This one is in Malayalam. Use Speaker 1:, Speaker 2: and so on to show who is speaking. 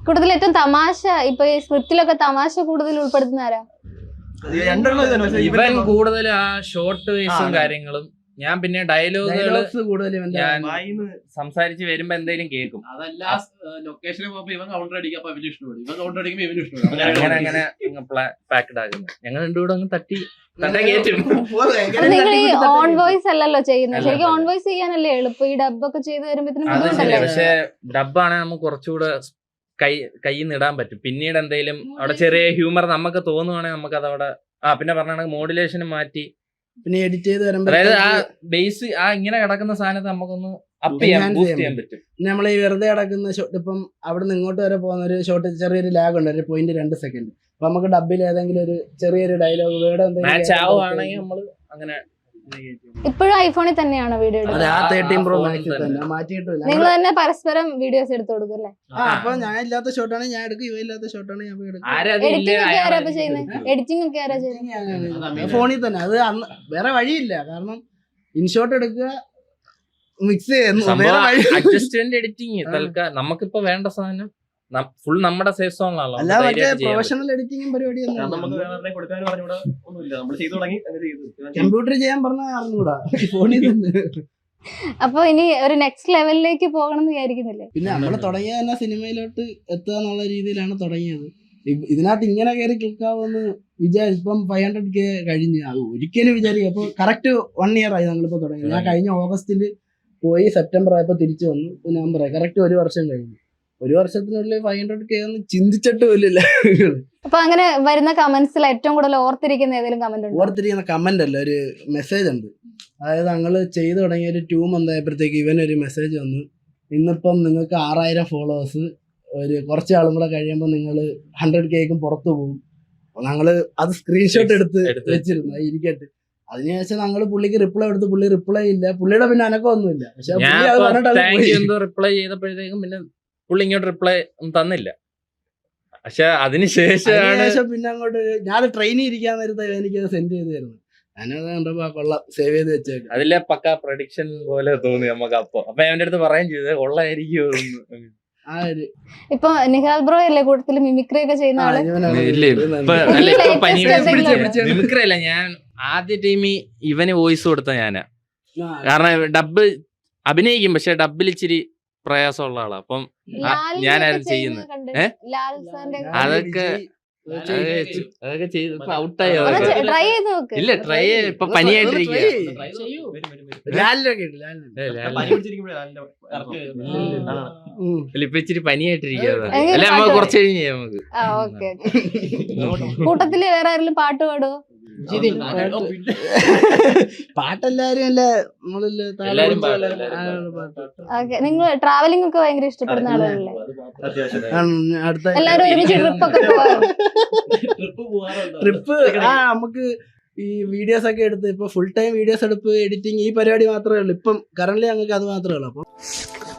Speaker 1: കൂടുതൽ ഏറ്റവും തമാശ ഇപ്പൊ ഈ സ്ക്രിപ്റ്റിലൊക്കെ തമാശ കൂടുതൽ ഉൾപ്പെടുത്തുന്ന ആരാ?
Speaker 2: ഇവൻ കൂടുതൽ ആ ഷോർട്ട് വേസും കാര്യങ്ങളും. ഞാൻ പിന്നെ ഡയലോഗുകൾ ഞാൻ സംസാരിച്ച് വരുമ്പോ എന്തെങ്കിലും കേൾക്കും.
Speaker 3: അതല്ല ലൊക്കേഷനിൽ പോകുമ്പോ ഇവൻ കൗണ്ടർ അടിക്കും, അപ്പൊ ഇവന് ഇഷ്ടപ്പെടും. ഇവൻ കൗണ്ടർ അടിക്കുമ്പോ ഇവന് ഇഷ്ടപ്പെടും.
Speaker 2: അങ്ങനെ പാക്ഡ് ആകുന്നു. ഞങ്ങൾ രണ്ടുകൂടെ അങ്ങ് തട്ടി കയറ്റും.
Speaker 1: നിങ്ങൾ ഈ ഓൺ വോയിസ് അല്ലല്ലോ ചെയ്യുന്നത്, ശരിക്കും ഓൺ വോയിസ് ചെയ്യാനല്ലേ എളുപ്പം. ഈ ഡബ് ഒക്കെ ചെയ്ത് വരുമ്പോഴത്തേനും
Speaker 2: പക്ഷെ ഡബ്ബാണ് നമുക്ക് കുറച്ചുകൂടെ കയ്യിൽ നിന്ന് ഇടാൻ പറ്റും. പിന്നീട് എന്തെങ്കിലും അവിടെ ചെറിയ ഹ്യൂമർ നമുക്ക് തോന്നുവാണെങ്കിൽ നമുക്ക് അതവിടെ പിന്നെ പറഞ്ഞ മോഡുലേഷൻ മാറ്റി
Speaker 4: പിന്നെ എഡിറ്റ് ചെയ്ത് വരുമ്പോ
Speaker 2: അതായത് ആ ബേസ് ആ ഇങ്ങനെ കിടക്കുന്ന സാധനത്ത് നമുക്കൊന്ന് അപ്പ് ചെയ്യാൻ പറ്റും.
Speaker 4: നമ്മൾ ഈ വെറുതെ കിടക്കുന്ന ഷോട്ട് ഇപ്പം അവിടെ നിന്ന് ഇങ്ങോട്ട് വരെ പോകുന്ന ഒരു ഷോട്ട് ചെറിയൊരു ലാഗ് ഉണ്ട്, ഒരു 0.2 സെക്കൻഡ്. അപ്പൊ നമുക്ക് ഡബിൽ ഏതെങ്കിലും ഒരു ചെറിയൊരു ഡയലോഗ് വേർഡ്
Speaker 2: മാച്ച് ആവുകയാണെങ്കിൽ നമ്മൾ അങ്ങനെ.
Speaker 1: ഇപ്പോഴും ഐഫോണിൽ തന്നെയാണോ വീഡിയോ എടുക്കുന്നത്?
Speaker 4: 13 Pro Max തന്നെ മാറ്റിയിട്ടില്ല.
Speaker 1: നിങ്ങൾ തന്നെ പരസ്പരം വീഡിയോസ് എടുത്തു കൊടുക്കും അല്ലേ?
Speaker 4: അപ്പൊ ഞാൻ ഇല്ലാത്ത ഷോട്ടാണ് ഞാൻ എടുക്കും, ഇവ ഇല്ലാത്ത ഷോട്ടാണ് ഞാൻ എടുക്കും.
Speaker 1: എഡിറ്റിംഗ് ഒക്കെ ആരാ ചെയ്യുന്നത്?
Speaker 4: ഫോണിൽ തന്നെ. അത് അന്ന് വേറെ വഴിയില്ല, കാരണം ഇൻഷോട്ട് എടുക്കുക, മിക്സ് ചെയ്യുന്നു.
Speaker 2: അഡ്ജസ്റ്റ്മെന്റ് എഡിറ്റിംഗ് തൽക്കാലം നമുക്കിപ്പോ വേണ്ട സാധനം ഫുൾ നമ്മുടെ സേഫ് സോണിലാണല്ലോ.
Speaker 4: അല്ല മറ്റേ പ്രൊഫഷണൽ എഡിറ്റിംഗും പരിപാടിയൊന്നും കമ്പ്യൂട്ടർ ചെയ്യാൻ പറഞ്ഞാൽ അറിഞ്ഞൂടാ, ഫോണിൽ തന്നെ.
Speaker 1: അപ്പൊ ഇനി ഒരു നെക്സ്റ്റ് ലെവലിലേക്ക് പോകണം എന്ന് വിചാരിക്കുന്നില്ലേ?
Speaker 4: പിന്നെ നമ്മള് തുടങ്ങിയ തന്നെ സിനിമയിലോട്ട് എത്തുക എന്നുള്ള രീതിയിലാണ് തുടങ്ങിയത്. ഇതിനകത്ത് ഇങ്ങനെ കയറി ക്ലിക്കാവുമെന്ന് ഇപ്പം 500K കഴിഞ്ഞ് അത് ഒരിക്കലും വിചാരിക്കുക. അപ്പൊ കറക്റ്റ് 1 year ആയി ഞങ്ങളിപ്പോ തുടങ്ങി. ഞാൻ കഴിഞ്ഞ ഓഗസ്റ്റിൽ പോയി, സെപ്റ്റംബർ ആയപ്പോ തിരിച്ചു വന്നു. നവംബർ ആയി, കറക്റ്റ് 1 വർഷം കഴിഞ്ഞു. 1 വർഷത്തിനുള്ളിൽ 500K ഒന്നും ചിന്തിച്ചിട്ട് പോലില്ല.
Speaker 1: അപ്പൊ അങ്ങനെ വരുന്ന കമന്റ്സിൽ ഏറ്റവും കൂടുതൽ ഓർത്തിരിക്കുന്ന ഏതെങ്കിലും കമന്റ് ഉണ്ട്?
Speaker 4: ഓർത്തിരിക്കുന്ന കമന്റ് അല്ല, ഒരു മെസ്സേജ് ഉണ്ട്. അതായത് ഞങ്ങള് ചെയ്തു തുടങ്ങിയ ഒരു 2 month ആയപ്പോഴത്തേക്ക് ഇവനൊരു മെസ്സേജ് വന്നു, ഇന്നിപ്പം നിങ്ങൾക്ക് 6000 ഫോളോവേഴ്സ്, ഒരു കുറച്ച് ആളും കൂടെ കഴിയുമ്പോൾ നിങ്ങൾ 100Kക്കും പുറത്തു പോകും. ഞങ്ങള് അത് സ്ക്രീൻഷോട്ട് എടുത്ത് വെച്ചിരുന്നു, ഇരിക്കട്ടെ. അതിനുശേഷം ഞങ്ങള് പുള്ളിക്ക് റിപ്ലൈ എടുത്ത്, പുള്ളി റിപ്ലൈ ഇല്ല. പുള്ളിയുടെ പിന്നെ അനക്കമൊന്നുമില്ല. പക്ഷെ
Speaker 2: റിപ്ലൈ ചെയ്തപ്പോഴത്തേക്കും പിന്നെ പുള്ളി ഇങ്ങോട്ട് റിപ്ലൈ തന്നില്ല. പക്ഷെ അതിനുശേഷം
Speaker 4: പിന്നെ അങ്ങോട്ട് ഞാൻ ട്രെയിനിൽ ഇരിക്കാൻ നേരത്തെ എനിക്കത് സെൻഡ് ചെയ്ത് തരുന്നു. ഞാനത് കണ്ടപ്പോ കൊള്ളാം, സേവ് ചെയ്ത് വെച്ചേക്കും.
Speaker 2: അതിലെ പക്ക പ്രഡിക്ഷൻ പോലെ തോന്നി നമുക്ക്. അപ്പൊ എന്റെ അടുത്ത് പറയുകയും ചെയ്തത് കൊള്ളായിരിക്കും.
Speaker 1: ഇപ്പൊ നിഹാൽ ബ്രോ അല്ലേ കൂടുതൽ മിമിക്രി ഒക്കെ ചെയ്യുന്ന ആള്?
Speaker 2: മിമിക്രി അല്ല, ഞാൻ ആദ്യ ടീമിൽ ഇവന് വോയിസ് കൊടുത്ത ഞാനാ. കാരണം ഡബ് അഭിനയിക്കും, പക്ഷെ ഡബിൽ ഇച്ചിരി പ്രയാസമുള്ള ആളാ. അപ്പം ഞാനായിരുന്നു ചെയ്യുന്നത്. അതൊക്കെ ചെയ്ത് ഔട്ടായി. ഇല്ല, ട്രൈ ഇപ്പൊ പനിയായിട്ടിരിക്കുക. ഇപ്പൊ ഇച്ചിരി പനിയായിട്ടിരിക്കുക. അല്ലെ നമ്മ കുറച്ച് കഴിഞ്ഞ് ചെയ്യാം നമുക്ക്.
Speaker 1: കൂട്ടത്തില് വേറെ ആരെങ്കിലും പാട്ട് പാടുവോ?
Speaker 4: പാട്ടെല്ലാരും അല്ലേ,
Speaker 1: നിങ്ങൾ ട്രാവലിംഗ് ഒക്കെ ഭയങ്കര ഇഷ്ടപ്പെടുന്ന ആളുകളല്ലേ? എല്ലാരും ഒരുമിച്ച്
Speaker 4: ട്രിപ്പ് നമുക്ക് ഈ വീഡിയോസ് ഒക്കെ എടുത്ത് ഇപ്പൊ ഫുൾ ടൈം വീഡിയോസ് എടുപ്പ്, എഡിറ്റിംഗ്, ഈ പരിപാടി മാത്രമേ ഉള്ളൂ ഇപ്പം കറന്റ്. ഞങ്ങൾക്ക് അത് മാത്രമേ ഉള്ളൂ. അപ്പം